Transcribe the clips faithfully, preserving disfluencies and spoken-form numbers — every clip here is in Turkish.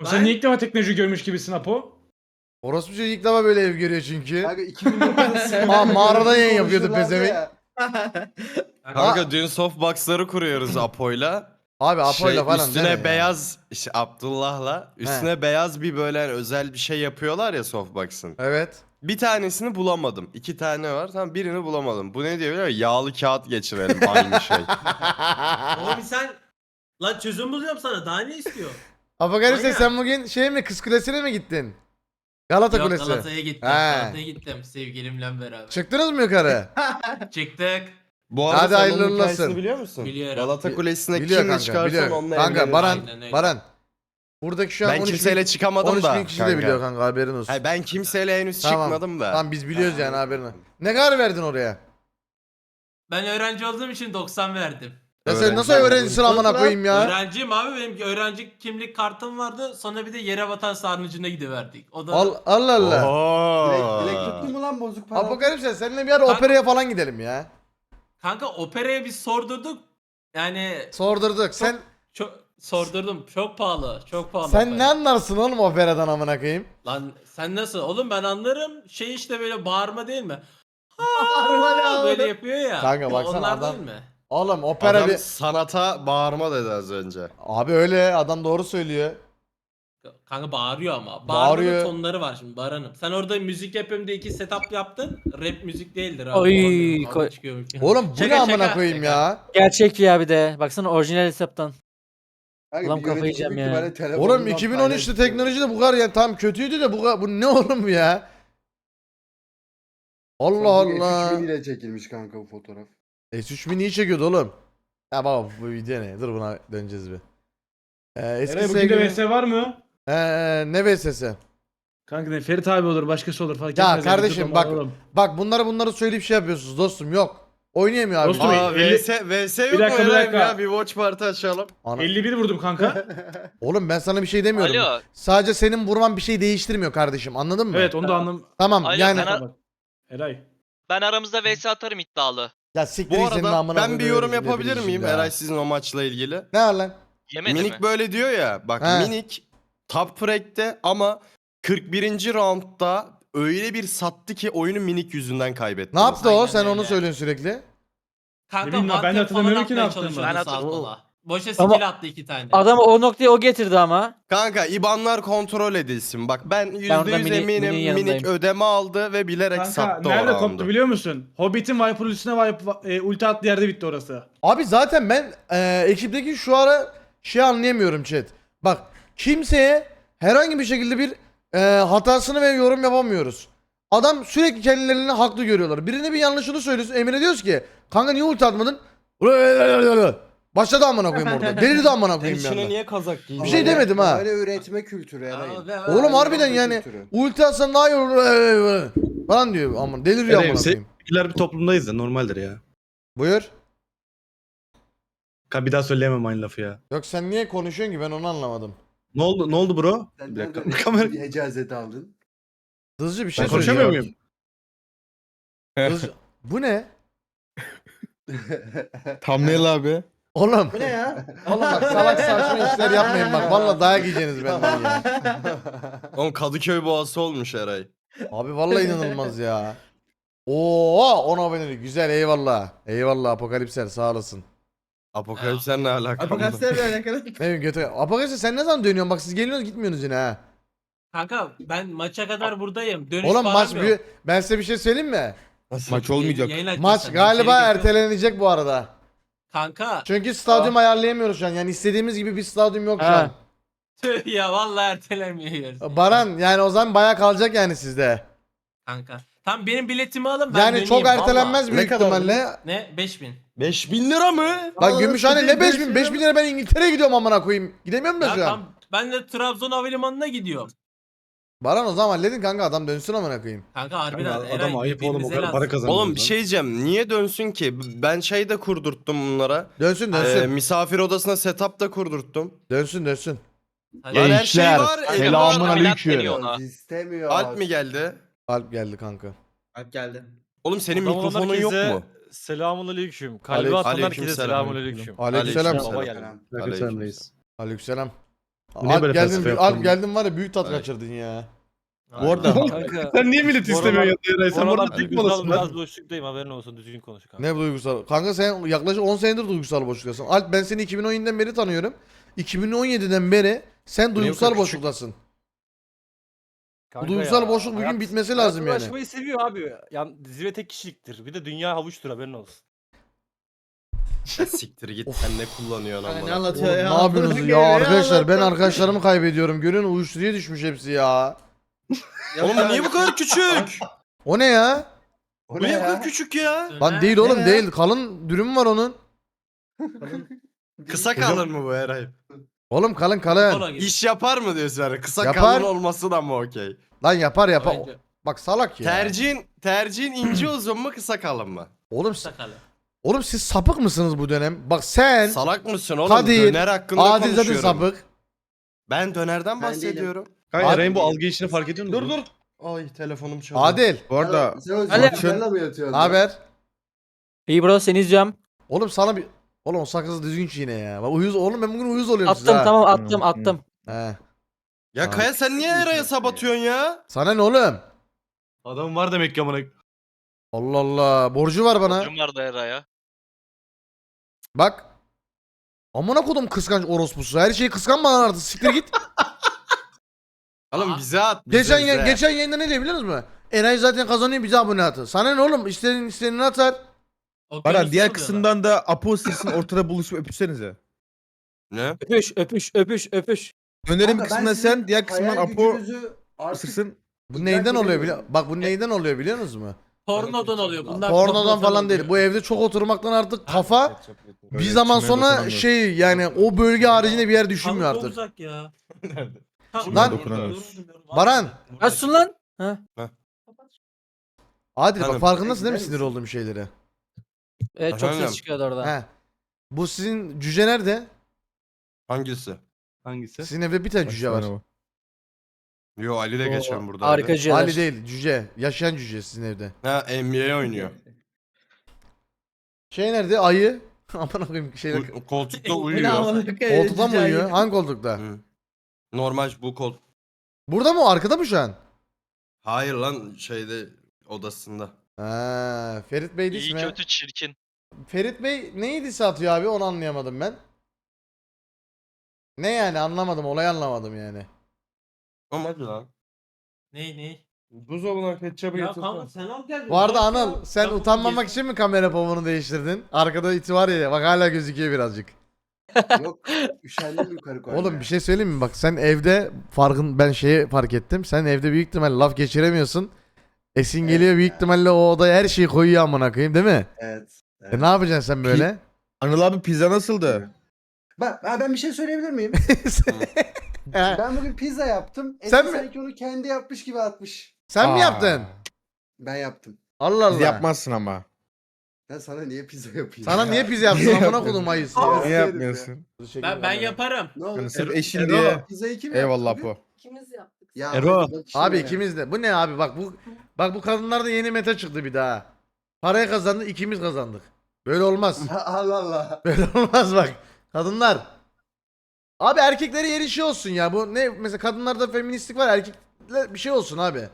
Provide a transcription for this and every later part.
Sen niye ilk defa teknoloji görmüş gibisin Apo? Orospu çocuğu ilk defa böyle ev görüyor çünkü. Kanka iki bin dokuzda Aa, mağarada yayın yapıyordu konuşurlardı pezevenk. ya. Kanka Aa. dün softbox'ları kuruyoruz Apo'yla. Abi Apo'yla Şey, falan üstüne deme ya. beyaz işte Abdullah'la üstüne beyaz bir böyle hani özel bir şey yapıyorlar ya softbox'ın. Evet. Bir tanesini bulamadım. İki tane var. Tamam birini bulamadım. Bu ne diyor biliyor musun? Yağlı kağıt geçirelim aynı şey. Oğlum sen lan çözüm buluyorum sana. Daha ne istiyor? Apokalipse Aynen. sen bugün şey mi Kız Kulesi'ne mi gittin? Galata Yok, Kulesi. Galata'ya gittim. He. Galata'ya gittim sevgilimle beraber. Çıktınız mı yukarı? Çıktık. Bu arada Hadi sen hayırlı onun uğurlu hikayesini olsun. biliyor musun? Biliyorum. Galata Kulesi'ne Biliyor kimle kanka, çıkarsan biliyor. onunla Kanka evlenir. Baran, Aynen öyle. Baran. Buradaki şu an Ben on üç kimseyle bin, çıkamadım on üç da. bin kişi de biliyor kanka haberin olsun. Hayır, ben kimseyle henüz Tamam. çıkmadım da. Tamam biz biliyoruz yani haberini. Ne kadar verdin oraya? Ben öğrenci olduğum için doksan verdim. Ya sen Öğrenci nasıl oldun. öğrencisin amına koyayım ya? Öğrenciyim abi, benim öğrenci kimlik kartım vardı. Sonra bir de yere vatan sarnıcına gidiverdik. O da Al, Allah Allah. Oo. Dilek, dilek tuttu mu lan bozuk para? Apokalipse seninle bir ara Kanka- operaya falan gidelim ya. kanka operaya biz sordurduk. Yani Sordurduk. Sen çok sordurdum. Çok pahalı. Çok pahalı. sen opera. ne anlarsın oğlum operadan amına koyayım? Lan sen nasıl? Oğlum ben anlarım. Şey işte böyle bağırma değil mi? Bağırma ne Aa, abi? böyle yapıyor ya. Kanka baksana Onlar adam- değil mi? Oğlum opera Adam bir... sanata bağırma dedi az önce. Abi öyle adam doğru söylüyor. Kanka bağırıyor ama. Bağırıyor. Bağırmanın tonları var şimdi Baran'ım. Sen orada müzik yapıyorum diye iki setup yaptın. Rap müzik değildir abi. Oy, Olamıyorum, kavga koy- çıkıyor. Oğlum bu Şaka, ne amına şaka, koyayım şaka. ya? Gerçek ya bir de. Baksana orijinal hesaptan. Kanka, Ulan bir kafayı yönetici yiyeceğim büyük ya. ihtimalle telefonundan Oğlum iki bin on üçte paylaşıyor. teknoloji de bu kadar yani tam kötüydü de bu kadar, bu ne oğlum ya? Allah Samsung Allah. S üç bin ile çekilmiş kanka bu fotoğraf. S üç bin iyi çekiyordu oğlum. Ya baba bu video ne? Dur buna döneceğiz bir. Ee, eski Eray bugün de sevgili... V S var mı? Ee, ne V S'si? Kanka ne Ferit abi olur başkası olur fark Ya etmez. yani, kardeşim dur bak oğlum. bak bunları bunları söyleyip şey yapıyorsunuz dostum yok. Oynayamıyor abi. Dostum, Ay, Aa, elli- VS, VS yok Bir dakika, mu bir İbrahim dakika. ya? Bir watch party açalım. ana- elli bir vurdum kanka. Oğlum ben sana bir şey demiyorum. Alo. Sadece senin vurman bir şey değiştirmiyor kardeşim anladın mı? Evet onu da anlam. Tamam Alo, yani. ben- Eray. Ben aramızda vs atarım iddialı. Ya siktir Bu git senin arada amına ben koyduğum bir yorum herifin yapabilir hepiniz miyim şimdi ha. Eray sizin o maçla ilgili? Ne var lan? Yemedi Minik mi? böyle diyor ya bak He. Minik top frag'te ama kırk birinci roundda öyle bir sattı ki oyunu Minik yüzünden kaybetti. Ne yaptı o? Aynen Sen onu öyle. söylüyorsun sürekli. Kanka Ne bileyim lan, ben de one tap hatırlamıyorum falan ki ne atmaya yaptığımı. çalışıyordu Ben sağa hatırlamıyorum. sola. Boşa Ama- skill attı iki tane. Adamı o noktaya o getirdi ama. Kanka IBAN'lar kontrol edilsin. Bak ben yüzde orada yüz Mini- eminim Mini'nin Minik yanındayım. ödeme aldı ve bilerek Kanka sattı o nerede roundu. koptu biliyor musun? Hobbit'in Viper üstüne Viper, e, ulti attığı yerde bitti orası. Abi zaten ben e, ekipteki şu ara şey anlayamıyorum chat. Bak kimseye herhangi bir şekilde bir e, hatasını ve yorum yapamıyoruz. Adam sürekli kendilerini haklı görüyorlar. Birine bir yanlışını söylüyorsun. Emre diyoruz ki kanka niye ulti atmadın? Başladı amına koyayım orada. Delirdi amına koyayım bir İçine anda. niye kazak giydin? Bir şey demedim ha. Böyle üretme kültürü Eray. Aa, ve- Oğlum harbiden Üretme yani kültürü. ulti atsan daha iyi olur falan diyor aman deliriyor Evet, amına se- koyayım. Seküler bir toplumdayız da normaldir ya. Buyur. Ka- Bir daha söyleyemem aynı lafı ya. Yok sen niye konuşuyorsun ki ben onu anlamadım. Ne oldu ne oldu bro? Sen Bir dakika. nereden Kamera. bir icazet aldın? Hızlıca bir şey Ben konuşamıyor söyleyeceğim. muyum? Hızlıca- Bu ne? Thumbnail abi. Oğlum. Bu ne ya? Oğlum bak salak saçma işler yapmayın bak. Vallahi dayak yiyeceksiniz benden ya. Oğlum Kadıköy boğası olmuş Eray. Abi vallahi inanılmaz ya. Oo, on abonelik güzel eyvallah. Eyvallah Apokalipser sağ olasın. Apokalipsler ne alaka? Apokalipslerle alakalı. Ne bileyim götü. Apokalipser sen ne zaman dönüyorsun? Bak siz geliyorsunuz gitmiyorsunuz yine ha. Kanka ben maça kadar buradayım. Dönüş Oğlum param maç yok. büyü... Ben size bir şey söyleyeyim mi? Maç olmayacak. Yayın açacağız Maç sana, galiba içerik yapıyorum. ertelenecek bu arada. Kanka Çünkü stadyum ayarlayamıyoruz şu an. Yani istediğimiz gibi bir stadyum yok şu Ha. an. tüh ya vallahi ertelemiyoruz. Baran yani o zaman bayağı kalacak yani sizde. Kanka. Tam benim biletimi alın ben Yani döneyim, çok ertelenmez vallahi. büyük Ne kadar ihtimalle. Ne? beş bin. beş bin lira mı? Bak Gümüşhane ne beş bin? beş bin lira ben İngiltere'ye gidiyorum amına koyayım. Gidemiyorum da Ya şu an. tam ben de Trabzon Havalimanı'na gidiyorum. Baran o zaman halledin kanka adam dönsün amına koyayım. Kanka harbiden Kanka, Eray, adam ayıp oğlum o birbirimize kadar lazım. para kazanıyor. Oğlum bir şey diyeceğim. Niye dönsün ki? Ben şey de kurdurttum bunlara. Dönsün Ee, dönsün. misafir odasına setup da kurdurttum. Dönsün dönsün. Hadi. Lan her şey Gençler, var. selamun Elma- aleyküm. deniyor ona. İstemiyor. Alp mi geldi? Alp geldi kanka. Alp geldi. Oğlum senin Adam mikrofonun olan yok herkese mu? Selamun aleyküm. Kalbi Aleyküm- atan aleyküm herkese selam. selamun aleyküm. Aleykümselam. Aleykümselam. Baba geldi. Aleykümselam reis. Aleykümselam. Bu niye Alp böyle geldin, felsefe Alp yaptın? geldin var ya büyük tat Evet. kaçırdın ya. Bu arada Kanka. sen niye millet Bu aralar- istemiyorsun ya Eray? Bu Sen burada aralar Türk duygusal malısın biraz lan. boşluktayım, haberin olsun, düzgün konuş kanka. Ne duygusal? Kanka sen yaklaşık on senedir duygusal boşluktasın. Alp ben seni iki bin on yediden beri tanıyorum. iki bin on yediden beri sen duygusal küçük. boşluktasın. Kanka duygusal ya, boşluk bugün hayat- bitmesi hayat lazım yani. uğraşmayı seviyor abi. Yani zirve tek kişiliktir. Bir de dünya havuçtur, haberin olsun. Ya siktir git sen ne kullanıyorsun Hani ne amına. anlatıyor Oğlum, ya? ne yapıyorsunuz Amına ya koyayım arkadaşlar? Ben anlatıyor. arkadaşlarımı kaybediyorum. Görüyorsun uyuşturuya düşmüş hepsi ya. Oğlum bu niye bu kadar küçük? O ne ya? O Bu ne niye bu kadar ya? küçük ya? Lan değil oğlum Ne? değil. Kalın dürüm var onun. Kısa kalır mı bu Eray? Oğlum kalın kalın. Kola gibi. İş yapar mı diyorsun yani? Kısa Yapar. kalın olması da mı okey? Lan yapar yapar. Bence Bak salak ya. Tercihin tercihin ince uzun mu kısa kalın mı? Oğlum, sakalı. oğlum siz sapık mısınız bu dönem? Bak sen, Salak mısın oğlum? Kadir, Döner hakkında Adil zaten konuşuyorum. sapık. Ben dönerden Ben bahsediyorum. Kanka Abi- Eray'ın bu algı işini fark ediyor musun? Dur dur. Ay telefonum çalıyor. Adil, Bu arada Sen o Ali- sen mi yatıyorsun? ne haber? İyi bro, seni izliyorum. Oğlum sana bir... Oğlum o sakızı düzgün çiğne ya. Bak uyuz, oğlum ben bugün uyuz oluyorum size Attım ha. tamam, attım attım. He. Ya Kaya sen niye Eray'a sabatıyorsun ya? Sana ne oğlum? Adam var demek ki amına. Allah Allah. Borcu var bana. Borcum vardı Eray'a. Bak. Amına kodum kıskanç orospusu. Her şeyi kıskanma lan artık. Siktir git. Oğlum bize at. Bize, geçen bize. ya, geçen yayında ne diyor biliyor musun? Eray zaten kazanıyor bize abone atı. Sana ne oğlum? İstediğin istediğini atar. Baran diğer kısımdan da Apo sesinin ortada buluşup öpüşsenize. Ne? Öpüş öpüş öpüş öpüş. Önerim Kanka, ben kısmında sizin sen, diğer kısımdan hayal Apo gücünüzü artık ısırsın. Bu İdrak neyden oluyor edemiyorum. biliyor? Bak bu neyden oluyor biliyor musunuz? Pornodan oluyor. Bunlar Pornodan falan değil. Bu evde çok oturmaktan artık kafa bir Böyle zaman içine sonra dokunamıyorsun. şey yani o bölge haricinde bir yer düşünmüyor Çok artık. uzak ya. Lan- dokunamıyorsun. Baran. Nasılsın lan? Ha? Adil bak Efendim? farkındasın değil mi Gider sinir misin? olduğum şeylere? Evet, çok Efendim? ses çıkıyordu orada. He. Bu sizin cüce nerede? Hangisi? Hangisi? Sizin evde bir tane cüce var. Yo Ali de Oo, geçen burada. Harikacı. Ali değil cüce. Yaşayan cüce sizin evde. Ha N B A oynuyor. Şey nerede? Ayı. Aman koyayım şeyler. U- koltukta Ne uyuyor. amına koyayım, Koltukta mı cüce uyuyor? ayı. Hangi koltukta? Hı. Normal bu kol. Burada mı? o? Arkada mı şu an? Hayır lan şeyde odasında. Ha, Ferit Bey İyi değil mi? kötü çirkin. Ferit Bey neydi satıyor abi onu anlayamadım ben. Ne yani anlamadım olayı anlamadım yani. Ama hadi lan. Ne ne? Buzdolabına ketçabı Ya kanka sen al gel. Bu arada Bak Anıl ya, sen bunu utanmamak geç- için mi kamera povunu değiştirdin? Arkada iti var ya bak hala gözüküyor birazcık. Yok üşendim yukarı koymaya. Oğlum bir şey söyleyeyim mi? Bak sen evde farkın ben şeyi fark ettim. Sen evde büyük ihtimalle laf geçiremiyorsun. Esin Evet geliyor büyük ya. ihtimalle o odaya her şeyi koyuyor amına koyayım değil mi? Evet. E ne yapacaksın sen böyle? Anıl abi pizza nasıldı? Ben, ha, ben bir şey söyleyebilir miyim? He, Ben bugün pizza yaptım. Sen Sen mi? sanki onu kendi yapmış gibi atmış. sen mi Aa, yaptın? Ben yaptım. Allah Biz Allah. yapmazsın ama. Ben sana niye pizza yapayım? Sana ya? niye pizza yapsın amına kodum ayısı ya. Niye yapmıyorsun? Ben ben yaparım. Ne oldu? Yani sırf Ero- eşin Ero, diye. Pizzayı kim Eyvallah yaptı bugün? Apo. İkimiz yaptık. Ya Ero. hadi bak işine Abi ya. ikimiz de. Bu ne abi bak bu bak bu kadınlarda yeni meta çıktı bir daha. Parayı kazandı ikimiz kazandık. Böyle olmaz. Allah Allah. Böyle olmaz bak. Kadınlar. Abi erkeklere yeri şey olsun ya. Bu ne mesela kadınlarda feministlik var erkekler bir şey olsun abi.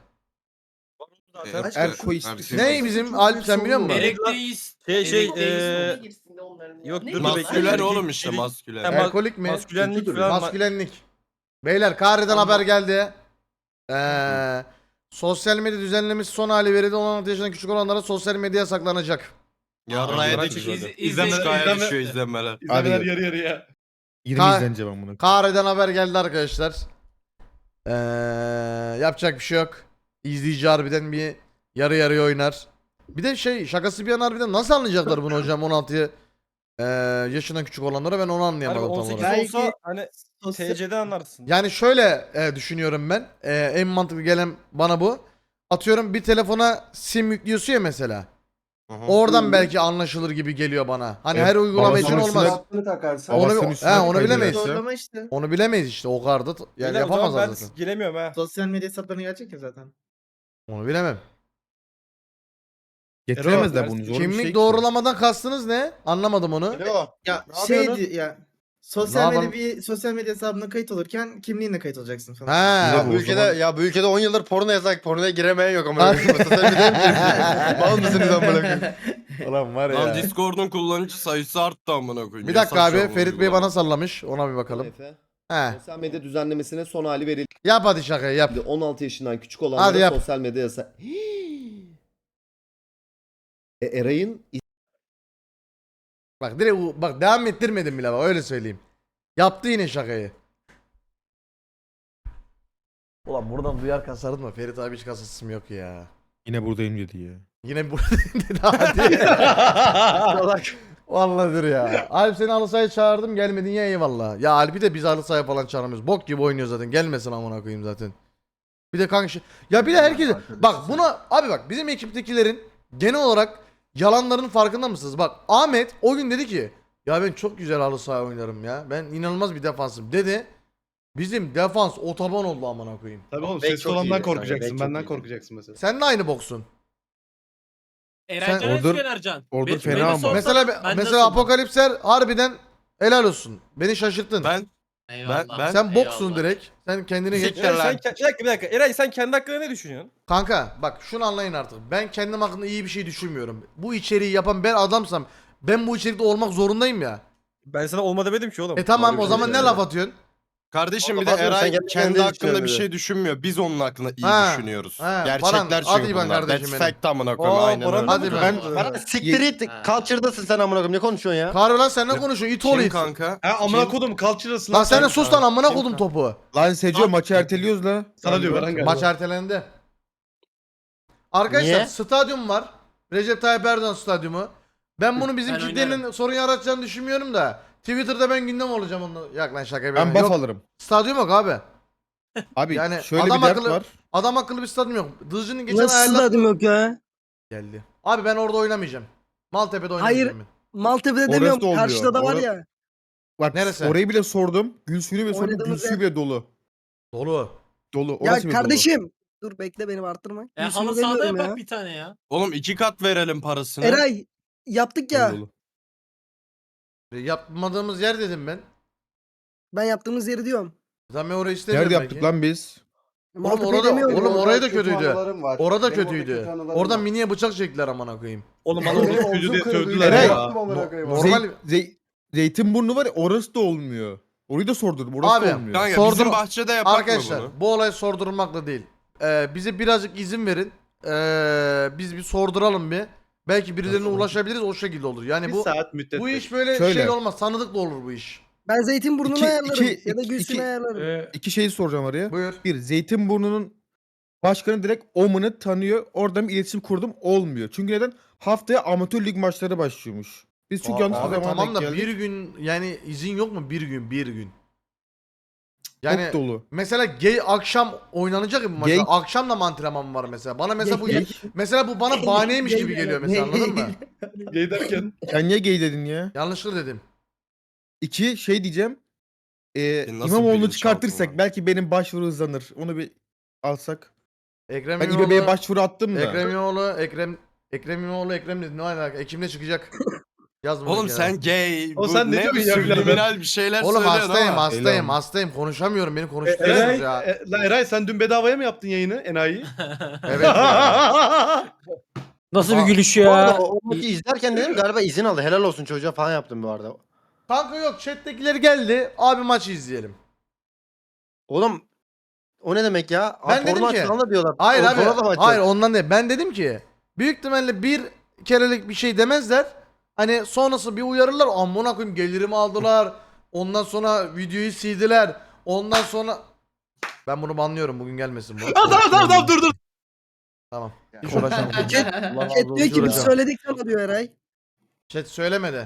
Zaten Aşkım, Er şu- koist. Ne bizim Alp sen biliyor musun? Gerekteyiz. Şey şey Gerekteyiz. eee yok Ne? dur dur Maskülen bekle. oğlum işte Erkek- maskülen. Ama- Alkolik mi? Maskülenlik Kötüdür. falan. ma- Maskülenlik. Beyler Kahire'den haber geldi. Ee, sosyal medya düzenlemesi son hali verildi. on altı yaşından küçük olanlara sosyal medya yasaklanacak. Yarraya da İz- çıkıyor. iz- İzlenme izlenme- düşüyor izlenmeler. İzlemeler Abi- yarı yarıya. yirmi Ka- izlenece ben bunu. Kahire'den haber geldi arkadaşlar. Ee, yapacak bir şey yok. İzleyici harbiden bir yarı yarıya oynar. Bir de şey şakası bir yana harbiden nasıl anlayacaklar bunu hocam on altı ee, yaşından küçük olanlara ben onu Hani anlayamadım tam on sekiz olarak. olsa Belki hani sosyal- T C'de anlarsın. Yani şöyle e, düşünüyorum ben. E, en mantıklı gelen bana bu. Atıyorum bir telefona sim yüklüyorsun ya mesela. Hı hı. Oradan belki anlaşılır gibi geliyor bana. Hani Evet, her uygulama için babasının olmaz. Kulaklığını takarsan. Onu, Babasının he, üstüne onu kaydırıyor. bilemeyiz. Zorlama işte. Onu bilemeyiz işte o kadar da yani Beyler, o zaman yapamazlar ben zaten. giremiyorum ha. Sosyal medya hesaplarına gelecek ya zaten. Onu bilemem. Getiremezler Ero, bunu zor bir Kimlik şey ki. doğrulamadan kastınız ne? Anlamadım onu. Alo. Ya Ne şey yapıyorsun? di- ya Sosyal Ne medya yapalım? bir sosyal medya hesabına kayıt olurken kimliğinle kayıt olacaksın falan. Ha. Ya bu o ülkede zaman- ya bu ülkede on yıldır porno yasak. Pornoya giremeyen yok ama. Mal mısınız amına koyayım? Ulan var Lan ya. Discord'un kullanıcı sayısı arttı amına koyayım. Bir dakika Yasak abi şu an Ferit Bey uygulama. bana sallamış. Ona bir bakalım. Efe, He. sosyal medya düzenlemesine son hali verildi. Yap hadi şakayı yap. on altı yaşından küçük Hadi olanlara yap. sosyal medya yasak. e, Eray'ın Bak direkt u- bak devam ettirmedim bile bak öyle söyleyeyim. Yaptı yine şakayı. Ulan buradan duyar kasardım mı? Ferit abi hiç kasasım yok ya. Yine buradayım dedi ya. Yine burada dedi hadi. Vallahi dur ya. Alp seni halı sahaya çağırdım gelmedin ya eyvallah. Ya Alp'i de biz halı sahaya falan çağıramıyoruz. Bok gibi oynuyor zaten. Gelmesin amına koyayım zaten. Bir de kanka şey- ya bir de herkes bak buna abi bak bizim ekiptekilerin genel olarak yalanların farkında mısınız? Bak Ahmet o gün dedi ki ya ben çok güzel halı saha oynarım ya. Ben inanılmaz bir defansım dedi. Bizim defans otoban oldu amına koyayım. Tabii oğlum Bek ses çok olandan iyi. korkacaksın. Bek çok Benden iyi. korkacaksın mesela. Sen de aynı boksun. Erencan Sen- Özgen Ordur- Ercan. Ordur Be- fena beni ama. sorsan Mesela ben mesela nasılım? Apokalipser harbiden helal olsun. Beni şaşırttın. Ben Eyvallah. ben- ben- Sen boksun Eyvallah. direkt. Sen kendine geç. Siktir Eray, lan. sen, ke- bir dakika bir dakika. Eray sen kendi hakkında ne düşünüyorsun? Kanka bak şunu anlayın artık. Ben kendim hakkında iyi bir şey düşünmüyorum. Bu içeriği yapan ben adamsam ben bu içerikte olmak zorundayım ya. Ben sana olma demedim ki oğlum. E tamam Öyle o bir zaman şey ne yani. laf atıyorsun? Kardeşim bir de Oğlum, sen Eray kendi kendi kendine hakkında düşünüyorsun bir dedi. şey düşünmüyor. Biz onun hakkında iyi Ha, düşünüyoruz. ha, Gerçekler Baran, çünkü hadi İvan bunlar. kardeşim That's benim. fact amına koyayım. Aa, Aynen Baran öyle. da Hadi mı? ben- Bana siktir it. Ha. Culture'dasın sen amına koyayım. Ne konuşuyorsun ya? Karı lan sen ne konuşuyorsun? İt oğlu Kim it. kanka? Ha amına Kim? kodum culture'sın Lan sen de sus lan amına Kim kodum kanka? topu. Lan Seco maçı erteliyoruz la. Sana diyor Baran galiba. Maç ertelendi. Arkadaşlar Niye? stadyum var. Recep Tayyip Erdoğan stadyumu. Ben bunu bizim Ben kitlenin oynarım. sorun yaratacağını düşünmüyorum da. Twitter'da ben gündem olacağım onu. Yak lan şaka Ben yapıyorum. buff Yok, alırım. stadyum yok abi. Abi Yani şöyle adam bir dert akıllı- var. Adam akıllı bir stadyum yok. Dızcı'nın geçen Nasıl ayarladığı... stadyum yok ya? Geldi. Abi ben orada oynamayacağım. Maltepe'de Hayır. oynamayacağım ben. Maltepe'de Orası demiyorum. da olmuyor. Karşıda da var Orası- ya. Bak Neresi? orayı bile sordum. Gül suyunu bile sordum. Gül Oynadığımız suyu yer- bile dolu. Dolu. Dolu. Ya Orası bile dolu. kardeşim. Dur bekle beni arttırma. E, Yüzünü halı sahada demiyorum yapak ya. bir tane ya. Oğlum iki kat verelim parasını. Eray yaptık ya. Dolu, dolu. Yapmadığımız yer dedim ben. Ben yaptığımız yeri diyorum. Zaten ben orayı istemiyorum Nerede belki. yaptık lan biz? Oğlum Maltepe'yi orada, demiyorum. oğlum Orada orayı da kötü kötüydü. anılarım var. Orada Benim orada kötüydü. kötü anılarım Oradan var. miniye bıçak çektiler amına koyayım. Oğlum Benim bana omzum Stüdyoda kırıldı, sövdüler yere ya. yattım amına koyayım. Normal- Zey- Zey- Zeytinburnu var ya orası da olmuyor. Orayı da sordum. Orası Abi, da olmuyor. Kanka Sordum- bizim bahçede yapak Arkadaşlar mı bunu? bu olay sordurmakla değil. Ee, bize birazcık izin verin. Ee, biz bir sorduralım bir. Belki birilerine ulaşabiliriz o şekilde olur. Yani Bir bu saat müddet. bu iş böyle Şöyle. şey olmaz. Tanıdıkla olur bu iş. Ben Zeytinburnu'nu İki- ayarlarım. iki- ya da iki- Gülsün'ü iki- ayarlarım. Ee, İki şey soracağım araya. Buyur. Bir, Zeytinburnu'nun başkanı direkt Oman'ı tanıyor. Oradan bir iletişim kurdum. Olmuyor. Çünkü neden? Haftaya amatör lig maçları başlıyormuş. Biz çünkü Aa, yanlış bir abi zamana tamam denk da geldik. bir gün yani izin yok mu? Bir gün bir gün. Yani Çok dolu. mesela gay akşam oynanacak bir maç. Gay- Akşam da mı antrenman var mesela. Bana mesela bu Gay- mesela bu bana bahaneymiş gibi Gay- geliyor mesela anladın mı? Gay derken. Sen niye gay dedin ya? Yanlışlıkla dedim. İki şey diyeceğim. Ee, Senin nasıl İmamoğlu'nu bilinçaltın çıkartırsak var? belki benim başvuru hızlanır. Onu bir alsak. Ekrem Ben İmamoğlu, İBB'ye başvuru attım da. Ekrem İmamoğlu, Ekrem Ekrem İmamoğlu, Ekrem dedi. Ne alaka? Ekim'de çıkacak. Yazma. Oğlum sen gay. O bu sen ne ne diyorsun bir ya birader? subliminal bir şeyler Oğlum söylüyorsun hastayım, ama. hastayım, Eylem. hastayım. Konuşamıyorum. Beni Eray, konuşturuyorsunuz ya. e, lan Eray sen dün bedavaya mı yaptın yayını enayi? Evet. ya. Nasıl Aa, bir gülüş Bu arada ya? o o maçı izlerken dedim galiba izin aldı. Helal olsun çocuğa falan yaptım bu arada. Kanka yok. Chat'tekileri geldi. Abi maçı izleyelim. Oğlum o ne demek ya? Ben Aa, dedim porno ki- açılan da diyorlar. Hayır O- abi. porno da mı açacak? Hayır ondan değil. Ben dedim ki büyük ihtimalle bir kerelik bir şey demezler. Hani sonrası bir uyarırlar. Amına koyayım gelirimi aldılar. Ondan sonra videoyu sildiler. Ondan sonra ben bunu banlıyorum. Bugün gelmesin bu. Tamam tamam tamam dur dur. Tamam. Hiç uğraşamam. Chat diyor ki biz uğraşamam. söyledik sana diyor Eray. Chat söylemedi.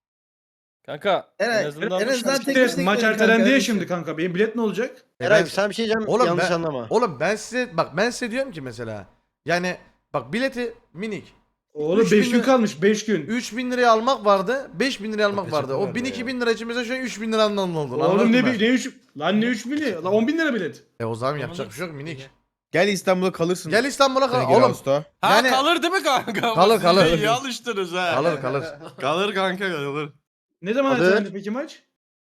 Kanka Eray, en azından en azından tek İşte başına maç gidelim ertelendi kanka, ya hadi. şimdi kanka. Benim bilet ne olacak? E Eray ben- sen bir şey diyeceğim Oğlum yanlış ben- anlama. Oğlum ben size bak ben size diyorum ki mesela yani bak bileti minik Oğlum Üç beş bin gün lira- kalmış beş gün. üç bin liraya almak vardı beş bin liraya almak Peçete vardı. O vardı bin ya. iki bin lira için mesela şu an üç bin liranın oldu. Oğlum anladın ne mı? bir ne üç lan ne üç bini? Lan on bin lira bilet. E o zaman yapacak bir şey yok minik. Gel İstanbul'a kalırsın. Gel İstanbul'a kal. Sene Oğlum Ağustos'ta. Ha Yani- kalır değil mi kanka? Kalır, Siz kalır. de iyi alıştınız ha. kalır kalır. Kalır kanka kalır. Ne zaman Hadi. ertelendi peki maç?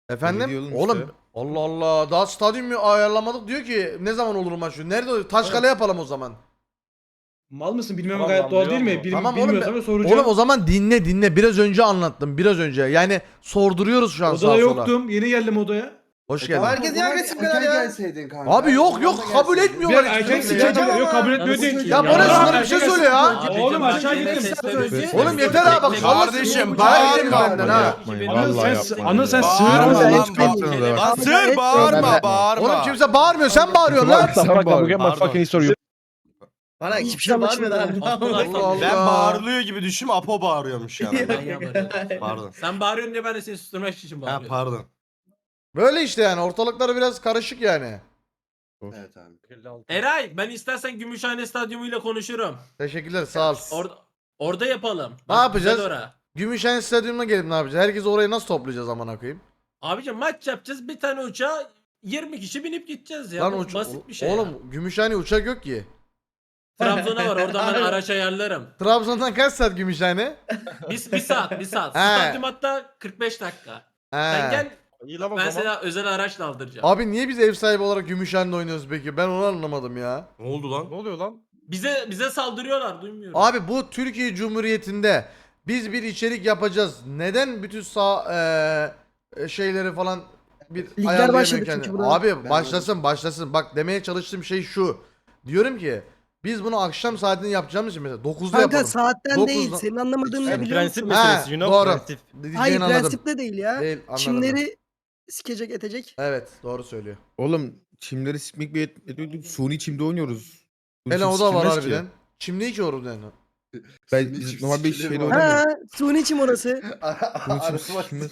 Efendim? diyor oğlum Oğlum işte. Allah Allah daha stadyum ayarlamadık diyor ki ne zaman olur maç diyor. Nerede olur? Taşkale yapalım o zaman. Mal mısın? Bilmem Tamam, gayet doğal değil mi? anlıyorum Bil, Tamam oğlum, bilmiyorsam ben- da soracağım. Oğlum o zaman dinle dinle. Biraz önce anlattım. Biraz önce. Yani sorduruyoruz şu an Odada sağa sola. yoktum. Yeni geldim odaya. Hoş geldin. Herkes niye agresif kadar ya? Abi yok yok kabul Bir etmiyorlar. erkek hiçbir şey. sikeceğim. Yok kabul etmiyor değil ki. Ya bu ne şunlara bir şey söyle ya. Abi, Oğlum, bak, aşağı yine gittim. sesler üstü. Oğlum yeter abi bak. Bekle, vallahi kardeşim, sinirimi bağırma. çekerim benden ha. Yapmayın. Anıl Vallahi sen, yapmayın. Anıl sen ya. sığır Bağırma mısın? lan, Hiç bağırma. bilmiyorum. Basır bağırma bağırma. Oğlum kimse bağırmıyor. Sen bağırıyorsun lan. Sen bağır. Pardon. Bana Hiçbir hiçbir şey şey bağırmıyor anlaşılmıyor. abi. Allah Ben Allah. bağırılıyor gibi düşün, Apo bağırıyormuş yani. Ben yaparım. Pardon. Sen bağırıyorsun diye ben de seni susturmak için Ha bağırıyorum. pardon. Böyle işte yani. Ortalıkları biraz karışık yani. Evet abi. Eray ben istersen Gümüşhane Stadyumu ile konuşurum. Teşekkürler sağ ol. Orada orada yapalım. Ne Bak, yapacağız? güzel ora. Gümüşhane Stadyumu'na gelip ne yapacağız? Herkesi oraya nasıl toplayacağız amına koyayım? Abicim maç yapacağız. Bir tane uçağa yirmi kişi binip gideceğiz ya. Lan Bu uç- basit bir şey. Oğlum ya. Gümüşhane uçak yok ki. Trabzon'a var. Oradan ben araç ayarlarım. Trabzon'dan kaç saat Gümüşhane? Bir, bir saat, bir saat. He. Stadyum hatta kırk beş dakika. Sen He. gel. İyi lan o Ben zaman. sana özel araçla aldıracağım. Abi niye biz ev sahibi olarak Gümüşhane'de oynuyoruz peki? Ben onu anlamadım ya. Ne oldu lan? Ne oluyor lan? Bize bize saldırıyorlar, duymuyorum. Abi bu Türkiye Cumhuriyeti'nde biz bir içerik yapacağız. Neden bütün sağ eee, şeyleri falan bir Ligler ayarlayamıyor başladı kendini? çünkü burada. Abi başlasın başlasın. Bak demeye çalıştığım şey şu. Diyorum ki biz bunu akşam saatinde yapacağımız için mesela dokuzda Kanka yapalım. saatten Dokuzda- değil. Senin anlamadığın ne Yani biliyor prensip musun? meselesi, He, you know, doğru. prensip. Diyeceğini Hayır anladım. prensip de değil ya. Değil, anladım. Çimleri sikecek etecek. Evet doğru söylüyor. Oğlum çimleri sikmek bir et- etmedik. Suni çimde oynuyoruz. Suni Hele çim o da var sikilmez ki. harbiden. Çim değil ki orada. Ben biz normal bir şeyle oynamıyoruz. Ha, suni çim orası. Suni çim sikilmez.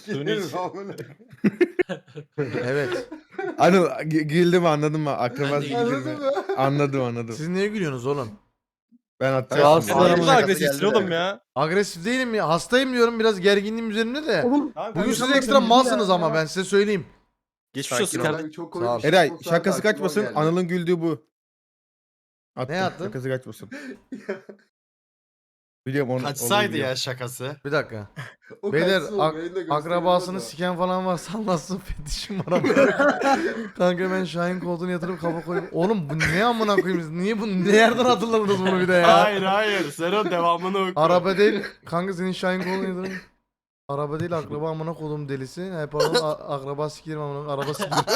Evet. Anıl g- güldüm anladın mı? Akrabası Ben de güldüm mü? Anladım anladım. Siz niye gülüyorsunuz oğlum? Ben atacağım. Rahatsız şimdi. adamın Şakası agresifsin geldi oğlum de. ya. Agresif değilim ya. Hastayım diyorum biraz gerginliğim üzerinde de. Oğlum Bugün siz kanka, ekstra sen malsınız ya. ama ben size söyleyeyim. Geçmiş olsun kardeşim. Sağ ol. Eray şakası kaçmasın. Anıl'ın güldüğü bu. Attım, Ne attın? Şakası kaçmasın. Biliyorum onu. Kaçsaydı onu ya şakası. Bir dakika. Beyler ak- akrabasını siken falan varsa anlatsın fetişim var ama. Kanka ben Şahin koltuğuna yatırıp kafa koyup. Oğlum bu ne amına koyayım? Siz Niye bu nereden hatırladınız bunu bir de ya? Hayır hayır. Sen o devamını oku. Araba değil. Kanka senin Şahin koltuğuna yatırıp. Araba değil akraba amına kodum delisi. He pardon a- akraba sikerim amına araba sikerim.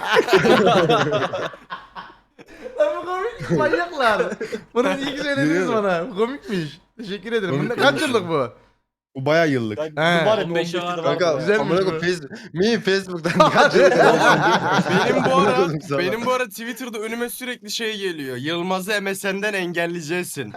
Lan bu komik manyaklar. Bunu iyi ki söylediniz Biliyorum. bana. Bu komikmiş. Teşekkür ederim. Bu Komik, ne- komik. kaç yıllık bu? Bu baya yıllık. He. He. on beşi var. Kanka Güzelmiş amına bu. koyayım Facebook. Mi Facebook'tan kaç yıl- Benim bu ara Anladım sana. benim bu ara Twitter'da önüme sürekli şey geliyor. Yılmaz'ı M S N'den engelleyeceksin.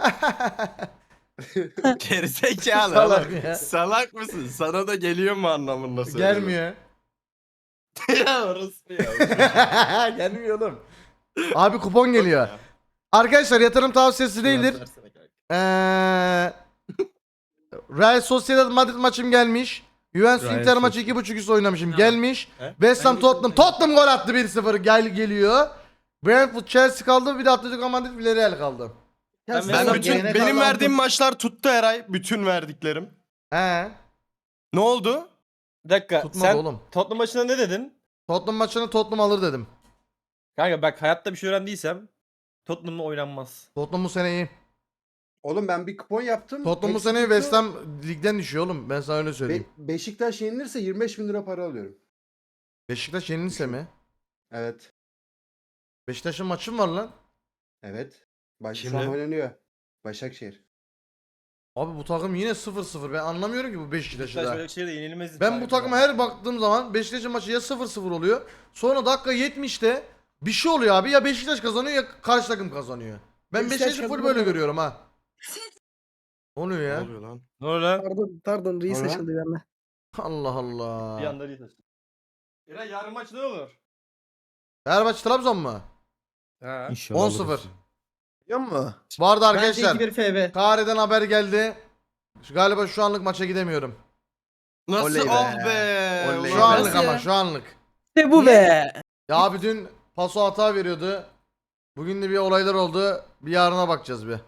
Gerizekalı Salak oğlum. ya. Salak mısın? Sana da geliyor mu anlamında söylüyorum. Gelmiyor. ya orası ya. Gelmiyor oğlum. Abi kupon geliyor. Arkadaşlar yatırım tavsiyesi değildir. Eee Real Sociedad Madrid maçım gelmiş. Juventus Real Inter maçı Sociedad. iki buçuk üst oynamışım. Ha. Gelmiş. He? West Ham Ben Tottenham. geçen- Tottenham gol attı bir sıfır. Gel geliyor. Brentford Chelsea kaldı. Bir de Atletico Madrid Villarreal kaldı. Ya Ben sen- Ben Sen bütün gelene benim kadar verdiğim aldım. maçlar tuttu Eray. Bütün verdiklerim. He. Ne oldu? Bir dakika Tutmadı sen oğlum. Tottenham maçında ne dedin? Tottenham maçını Tottenham alır dedim. Kanka bak hayatta bir şey öğrendiysem Tottenham'la oynanmaz. Tottenham bu sene iyi. Oğlum ben bir kupon yaptım. Tottenham bu Eksi sene tuttu. West Ham ligden düşüyor oğlum. Ben sana öyle söyleyeyim. Be- Beşiktaş yenilirse yirmi beş bin lira para alıyorum. Beşiktaş yenilirse mi? Evet. Beşiktaş'ın maçı mı var lan? Evet. Baş şu Kimle? an oynanıyor. Başakşehir. Abi bu takım yine sıfır sıfır. Ben anlamıyorum ki bu Beşiktaş'ı Beşiktaş da. böyle bir şeyde yenilmez. Ben bu takıma her baktığım zaman Beşiktaş'ın maçı ya sıfır sıfır oluyor. Sonra dakika yetmişte bir şey oluyor abi. Ya Beşiktaş kazanıyor ya karşı takım kazanıyor. Ben Beşiktaş Beşiktaş'ı full kazanıyor. böyle görüyorum ha. Ne oluyor Ne ya? oluyor lan? Ne oluyor lan? Pardon pardon reis Sonra? açıldı bir anda. Allah Allah. Bir anda değil. Eray yarın maç ne olur? Fenerbahçe Trabzon mu? Ha. İnşallah on alırız. sıfır. Biliyor musun? Vardı Bence arkadaşlar. iki bir F B. Kahire'den haber geldi. Şu- Galiba şu anlık maça gidemiyorum. Nasıl Oley be. oh be? Oley. Şu Ulan anlık nasıl ama ya? şu anlık. İşte bu be. Ya abi dün paso hata veriyordu. Bugün de bir olaylar oldu. Bir yarına bakacağız bir.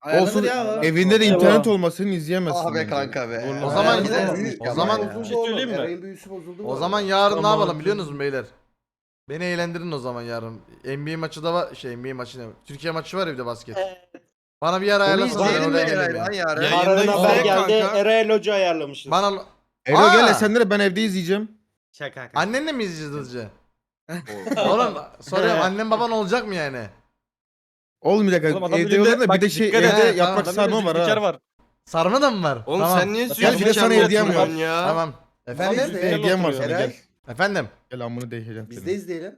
Ayarlanır Olsun ya o. evinde de internet olmasını izleyemezsin. Ah be bence. kanka be. O zaman Eray'ın o büyük- zaman Eray'ın bozuldu Bir şey oğlum, söyleyeyim mi? Eray'ın büyüsü bozuldu. o mu? zaman yarın ne Tamam. yapalım biliyor musunuz beyler? Beni eğlendirin o zaman yarın. N B A maçı da var. Şey N B A maçı ne? Türkiye maçı var ya bir de basket. Bana bir yer Onu ayarlasana. izleyelim mi oraya geleyim Eray'dan ya. yarın? Yayında Harun haber yüksek geldi. kanka. Erayel Hoca ayarlamışız. Bana Ero Aa! gel Esenler'e ben evde izleyeceğim. Şaka kanka. annenle mi izleyeceğiz hızlıca? Oğlum soruyorum annen baban olacak mı yani? Olmayacak. Oğlum adam Evde elinde- olur da bir bak de şey dikkat et. evde He, yaprak tamam. sarma var Spiker ha. var. Sarma da mı var? Oğlum tamam. sen niye Gel, sürekli bir de sana kendine hediyem var. oturuyorsun ya? Tamam. Efendim? Biz de- Hediyem var sana Eray, gel. Efendim? Gel amını değişeceğim Biz seni. de izleyelim.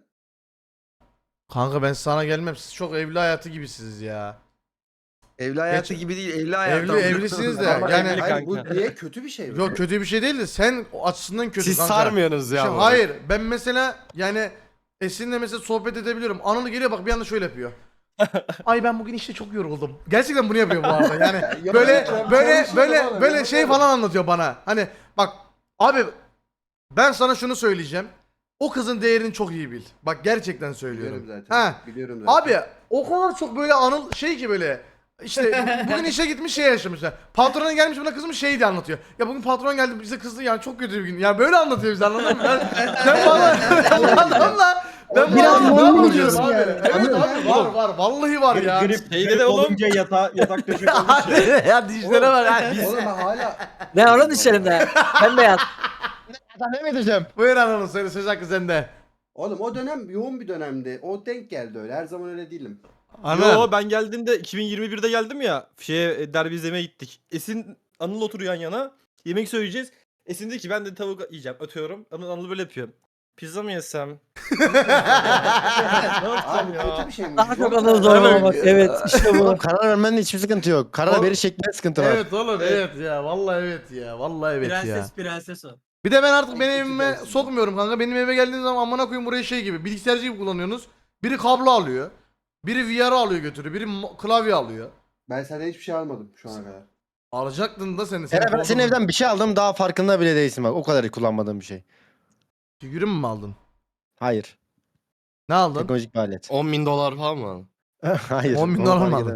Kanka ben sana gelmem. Siz çok evli hayatı gibisiniz ya. Evli hayatı Geç- gibi değil, evli hayatı. Evli evlisiniz de. Ama Yani evli hayır, bu kanka. niye kötü bir şey mi? yok kötü bir şey değil de sen o açısından kötü Siz kanka. sarmıyorsunuz ya. Şimdi bunu. hayır ben mesela yani Esin'le mesela sohbet edebiliyorum. Anıl geliyor bak bir anda şöyle yapıyor. Ay ben bugün işte çok yoruldum. Gerçekten bunu yapıyor bu arada. Yani böyle böyle böyle böyle şey falan anlatıyor bana. Hani bak abi ben sana şunu söyleyeceğim. O kızın değerini çok iyi bil. Bak gerçekten söylüyorum. Biliyorum zaten. Ha. Biliyorum zaten. Abi o kadar çok böyle Anıl şey ki böyle işte bugün işe gitmiş şey yaşamışlar. Patrona gelmiş buna kızmış şey diye anlatıyor. Ya bugün patron geldi bize kızdı yani çok kötü bir gün. Yani böyle anlatıyor bize anladın mı? Ben, ben bana ben adamla ben bu Biraz adamla normal ne diyorsun yapıyorum abi? yani. Evet abi var var vallahi var ya. Şeyde de oğlum. Yata, yatak döşek olmuş ya. ya dişlere var ha. Oğlum ben hala... Ne oğlum içerimde? Ben de yat. Ne mi diyeceğim? Buyur Anıl söyle söz hakkı sende. Oğlum o dönem yoğun bir dönemdi. O denk geldi öyle. Her zaman öyle değilim. Anıl. Yo ben geldiğimde iki bin yirmi birde geldim ya. Şeye e, derbi izlemeye gittik. Esin Anıl oturuyor yan yana. Yemek söyleyeceğiz. Esin dedi ki ben de tavuk yiyeceğim. Atıyorum. Anıl, Anıl böyle yapıyor. Pizza mı yesem? ne yapacağım Abi ya? kötü bir şey mi? Daha çok Yok. anıl zorlamak. Evet işte bu. Oğlum karar vermenin hiçbir sıkıntı yok. Karar Oğlum- veri şeklinde sıkıntı var. Evet oğlum evet ya vallahi evet ya vallahi evet ya. Prenses prenses o. Bir de ben artık benim Çok evime güzelsin. sokmuyorum kanka. Benim eve geldiğiniz zaman amına koyayım burayı şey gibi bilgisayarcı gibi kullanıyorsunuz. Biri kablo alıyor. Biri V R alıyor götürüyor. Biri mo- klavye alıyor. Ben senden hiçbir şey almadım şu ana kadar. Alacaktın da seni. Eren ben senin evden bir şey aldım daha farkında bile değilsin bak. O kadar kullanmadığım bir şey. Figürün mü aldın? Hayır. Ne aldın? Teknolojik bir alet. on bin dolar falan mı? Hayır. on bin onu dolar fark mı eder- aldın?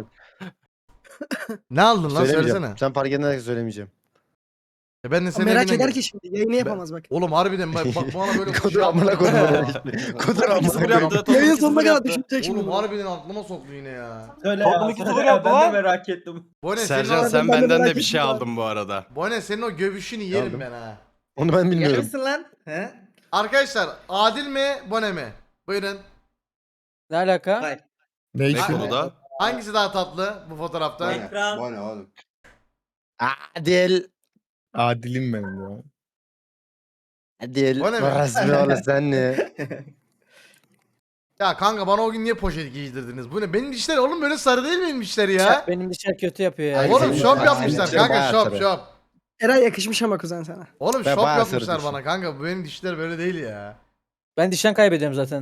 Ne aldın lan Söylemeyeceğim. söylesene. Sen fark edene söylemeyeceğim. E ben de senin Merak evine eder gel- ki şimdi yayını yapamaz bak. Oğlum harbiden bak, bak bana böyle Kodur amına koydum. Kodur amına İkisi bir koydum. yaptı. Yayın İkisi sonuna bir kadar yaptı. düşünecek şimdi. Oğlum bunu. harbiden aklıma soktu yine ya. Söyle ya. İkisi bir yaptı. Ben de merak ettim. Bone senin, Sercan o, sen ben de benden de merak bir şey ettim abi. aldın bu arada. Bone senin o gövüşünü yerim Aldım. ben ha. Onu ben bilmiyorum. Yarısın lan. He? Arkadaşlar Adil mi Bone mi? Buyurun. Ne alaka? Hayır. Ne Ne için? konuda? Hangisi daha tatlı bu fotoğrafta? Bu ne? Ekran. Bu ne oğlum? Adil. Adilim benim ya. Adil. O ne be? Resmi oğlum sen ne? Ya kanka bana o gün niye poşet giydirdiniz? Bu ne? Benim dişler oğlum böyle sarı değil mi benim dişler ya? Benim dişler kötü yapıyor ya. Ay, Oğlum senin- şop Ay, yapmışlar senin kanka bayağı şop sarı. şop. Eray yakışmış ama kuzen sana. Oğlum Ben şop bayağı yapmışlar sarı bana dişim. kanka. Bu benim dişler böyle değil ya. Ben dişten kaybediyorum zaten.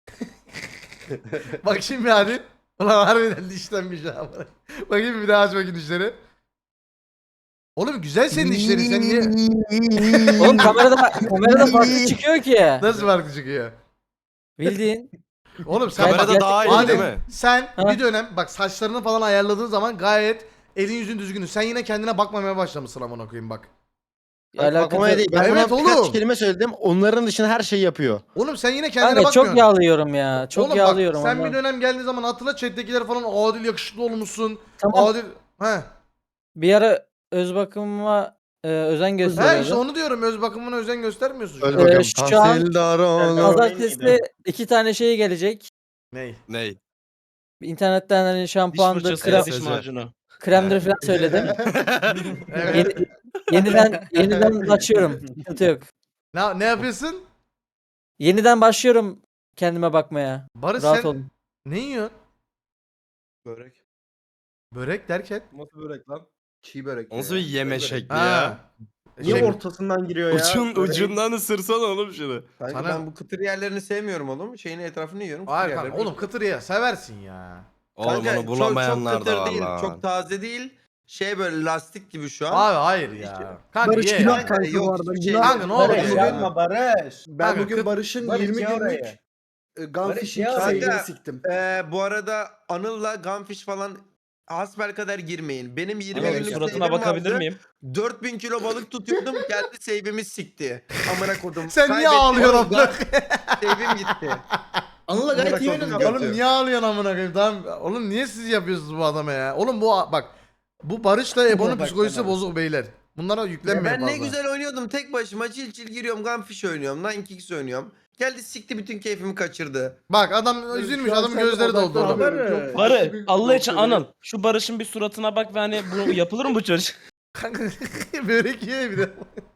Bak şimdi hadi. Ulan harbiden dişlenmiş ha. Bakayım bir daha aç bakayım dişleri. Oğlum güzel senin dişlerin sen niye? Oğlum kamerada kamerada farklı çıkıyor ki. Nasıl farklı çıkıyor? Bildiğin. Oğlum sen Kamerada gerçekten- daha iyi Adil, değil mi? sen Ha? bir dönem bak saçlarını falan ayarladığın zaman gayet elin yüzün düzgün. Sen yine kendine bakmamaya başlamışsın amına koyayım bak. Bakmaya değil. Ben Evet ona birkaç oğlum. kelime söyledim. Onların dışında her şeyi yapıyor. Oğlum sen yine kendine Kanka bakmıyorsun. çok yağlıyorum ya. Çok Oğlum yağlıyorum. bak sen ondan. bir dönem geldiği zaman hatırla chat'tekiler falan Adil yakışıklı olmuşsun. Tamam. Adil he. Bir ara öz bakımıma e, özen He gösteriyordu. işte onu diyorum öz bakımına özen göstermiyorsun. şu Öyle an. Ee, bakalım. şu an- Tahsildar oğlum. Pazartesi iki tane şey gelecek. Ney? Ney? İnternetten hani şampuandır, krem, diş macunu. kremdir falan söyledim. Evet. Yeni- yeniden yeniden açıyorum. Sıkıntı yok. ne, ne yapıyorsun? Yeniden başlıyorum kendime bakmaya. Barış Rahat sen olun. ne yiyorsun? Börek. Börek derken? Nasıl börek lan? Çiğ börek. Nasıl bir yeme şekli Ha. ya? Niye Şey- ortasından giriyor ya? Ucun, Böreğin- ucundan ısırsana oğlum şunu. Kanka Sana- ben bu kıtır yerlerini sevmiyorum oğlum. Şeyin etrafını yiyorum. kıtır Hayır kanka yerlerini- oğlum kıtır ye seversin ya. Oğlum Kanka, onu çok- bulamayanlar çok kıtır da var değil, lan. Çok taze değil. Şey böyle lastik gibi şu an. Abi hayır ya. Kanka Barış ye günah ya. kanka Yok, bu arada. hiçbir şey Günah. Kanka ne olur Barış ye. ya. Barış. Ben Kanka, bugün kıt- Barış'ın Barış yirmi ya günlük oraya. e, Gunfish'in ya şeyini oraya. siktim. Ee, bu arada Anıl'la Gunfish falan hasbelkader girmeyin. Benim yirmi Anıl, günlük suratına save'im bakabilir vardı. miyim? dört bin kilo balık tutuyordum. Geldi save'imi sikti. Amına kodum. Sen niye Kaybettim. ağlıyorsun amına? Save'im gitti. Anıl'la gayet iyi Amına oynadı. kodum. Oğlum niye ağlıyorsun amına koyayım? Tamam. Oğlum niye siz yapıyorsunuz bu adama ya? Oğlum bu bak bu Barış'la Ebo'nun Bak, psikolojisi tamam. bozuk beyler. Bunlara Ya yüklenmeyin ben ne fazla. güzel oynuyordum. Tek başıma çil çil giriyorum. Gunfish oynuyorum. Nine Kicks oynuyorum. Geldi sikti bütün keyfimi kaçırdı. Bak adam üzülmüş, Şu an adamın sen gözleri doldu oğlum. odaklanamıyorum. Çok Barı farklı bir Allah için noktada. Anıl. Şu Barış'ın bir suratına bak ve hani bu yapılır mı bu çocuk? Kanka börek ye bir de.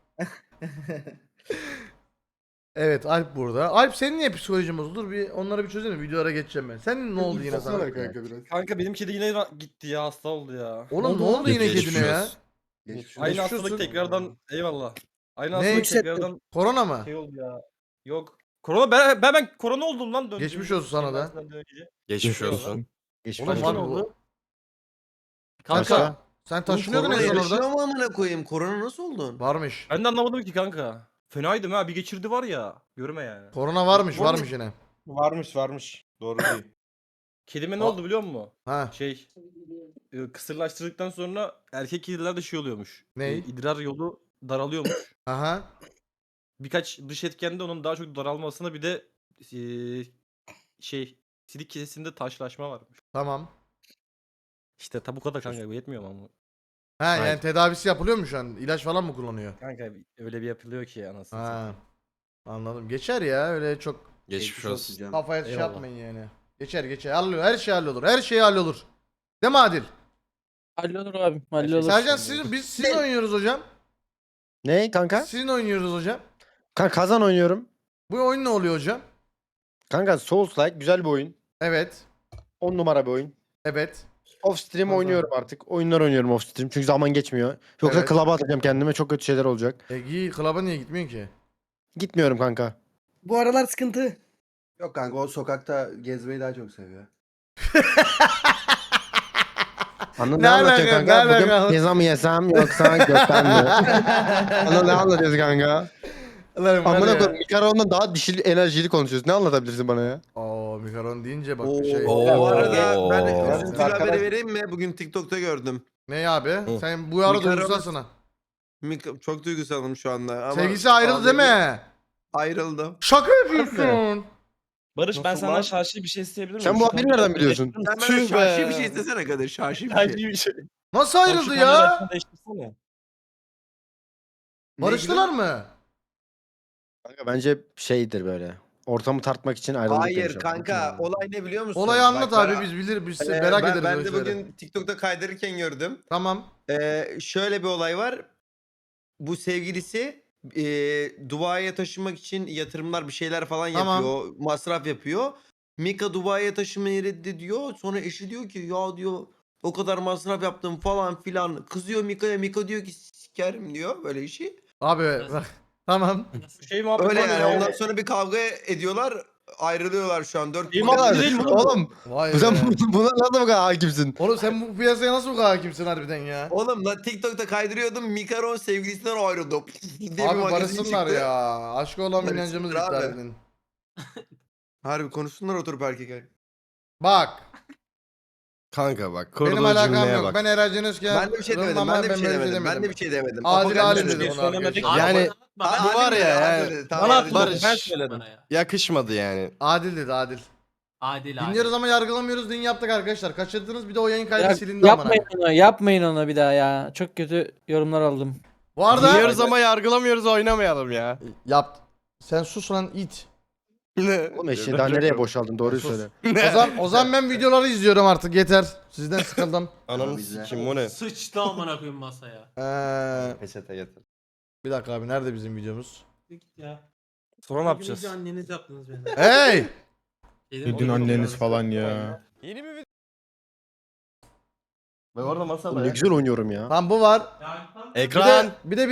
Evet Alp burada. Alp senin niye psikolojin bozuldu? Dur bir onları bir çözelim. Videolara geçeceğim ben. Senin ne oldu yine sana? Baksana kanka biraz. Kanka benim kedi yine ra- gitti ya, hasta oldu ya. Oğlum ne oldu yine Geçmiş kedine ya? olsun. Geçmiş Aynı Geçmiş hastalık olsun. tekrardan, eyvallah. Aynı Ne? hastalık Hissettim. tekrardan Korona mı? şey oldu ya. Yok. Korona ben ben, ben korona oldum lan. döndüğüm- Geçmiş olsun sana da. şeyden önce. Geçmiş olsun. Oğlum Başka var ne bu. oldu? Kanka Kanka sen taşınıyordun en Korona son yaşıyor orada. mu amına koyayım? Korona nasıl oldun? Varmış. ben de anlamadım ki kanka. Fenaydım ha, bir geçirdi var ya. Görme yani. Korona varmış Oğlum- varmış yine. Varmış varmış. Doğru değil. Kedime ne Aa. oldu biliyor musun? Ha Şey e, kısırlaştırdıktan sonra erkek kedilerde şey oluyormuş. Ney? E, idrar yolu daralıyormuş. aha. Birkaç dış etkende onun daha çok daralmasına bir de e, şey sidik kesesinde taşlaşma varmış. Tamam. İşte tabi bu kadar kanka, bu yetmiyor mu ama? Ha yani Hayır. tedavisi yapılıyor mu şu an? İlaç falan mı kullanıyor? Kanka öyle bir yapılıyor ki anasını Ha. satayım. Anladım. Geçer ya öyle çok Geçmiş olsun. canım. kafaya şey Eyvallah. yapmayın yani. Geçer geçer. Hallolur. Her şey hallolur. Her şey hallolur. Değil mi Adil? Hallolur abi. Hallolur. Sercan siz, biz sizin oynuyoruz hocam. Ne kanka? Sizin oynuyoruz hocam. Kanka kazan oynuyorum. Bu oyun ne oluyor hocam? Kanka Souls-like güzel bir oyun. Evet. on numara bir oyun. Evet. Off stream Kazan. oynuyorum artık. Oyunlar oynuyorum off stream çünkü zaman geçmiyor. Yoksa Evet. club'a atacağım kendime, çok kötü şeyler olacak. E giy klaba niye gitmiyorsun ki? Gitmiyorum kanka. Bu aralar sıkıntı. Yok kanka o sokakta gezmeyi daha çok seviyor. Anıl Ne ne anlatıyor alaka, kanka? ne Bugün alaka? pizza mı yesem yoksa gökten mi? Anıl ne anlatıyorsun kanka? Lan var Amına ya. koyayım, Mikaron'dan daha dişili enerjili konuşuyorsun. Ne anlatabilirsin bana ya? Oo mikaron deyince bak Oo, bir şey. Bu arada Oo. ben Evet, üzüntülü arkadaş- haberi vereyim mi? Bugün TikTok'ta gördüm. Ne abi? Sen bu ara Mikaron- duygusalsın ha. Mik- Çok duygusalım şu anda. Ama Sevgisi ayrıldı değil mi? Ayrıldı. Şaka yapıyorsun. Barış ben Nasıl senden lan? şahsi bir şey isteyebilir miyim? Sen bu Şu haberi kamerayı nereden biliyorsun? değiştirir Sen misin? bana Tüh şahsi be. bir şey istesene Kadir. Şahsi bir Şahsi şey. bir şey. Nasıl Sen şu ayrıldı kamerayı ya? açsana, değiştirsene. Barıştılar mı? Kanka bence şeydir böyle. Ortamı tartmak için ayrıldık. Hayır demiş adam. kanka olay ne biliyor musun? Olayı anlat Bak, abi ben- biz bilir biz Ee, merak ben, ederiz ben öyle de şeyleri. bugün TikTok'ta kaydırırken gördüm. Tamam. Ee, şöyle bir olay var. Bu sevgilisi e, Dubai'ye taşınmak için yatırımlar bir şeyler falan Tamam. yapıyor. Masraf yapıyor. Mika Dubai'ye taşınmayı reddediyor. Sonra eşi diyor ki ya diyor o kadar masraf yaptım falan filan. Kızıyor Mika'ya. Mika diyor ki sikerim diyor böyle işi. Abi bak. Tamam. Bu şey muhabbet Öyle var ya. yani. Ondan sonra bir kavga ediyorlar. Ayrılıyorlar şu an. Dört İyi kişi. muhabbet değil mi oğlum? Oğlum Vay sen be. bu- buna nasıl bu kadar hakimsin? Oğlum sen bu piyasaya nasıl bu kadar hakimsin harbiden ya? Oğlum lan TikTok'ta kaydırıyordum. Mikaron sevgilisinden ayrıldı. diye bir Abi magazin barışsınlar çıktı. ya. Aşkı olan Barışsınlar inancımız abi. gitti harbiden. Harbi konuşsunlar oturup erkek erkek. Bak. Kanka bak. Benim alakam yok. Ben Eray Can Özken. Ben de bir şey demedim. Rıdvan Ben de bir ben şey böyle demedim. Ben de bir şey demedim. Adil Apo Alim geldi dedi dedi. bunu arkadaşlar. Abi, Yani- bana- bu var ya, Adil yani- dedi, tamam, Bana Adil atma, dedi. ben söyledim. Bana ya. Yakışmadı yani. Adil dedi Adil. Adil adil. Dinliyoruz ama yargılamıyoruz. Dün yaptık arkadaşlar. Kaçırdınız bir de o yayın kaydı Ya, silindi amına. yapmayın onu. Yapmayın onu bir daha ya. Çok kötü yorumlar aldım. Bu arada Dinliyoruz ama yargılamıyoruz, oynamayalım ya. yap. Sen sus lan it. Oğlum eşeği daha nereye boşaldın, doğruyu Sus. söyle. Ozan Ozan ben videoları izliyorum artık yeter. Sizden sıkıldım. Ananı Bize. sikim o ne? Sıçtı amına koyayım masaya. Ee, Peçete getir. bir dakika abi nerede bizim videomuz? Git ya. Sonra ne yapacağız? Önce anneniz yaptınız beni. Hey! Şeyden Dün oluyor, anneniz yani. falan ya. Yeni bir video. Ve orada masada Oğlum ne güzel oynuyorum ya. Tamam bu var. Ya, tam- Bir de, bir de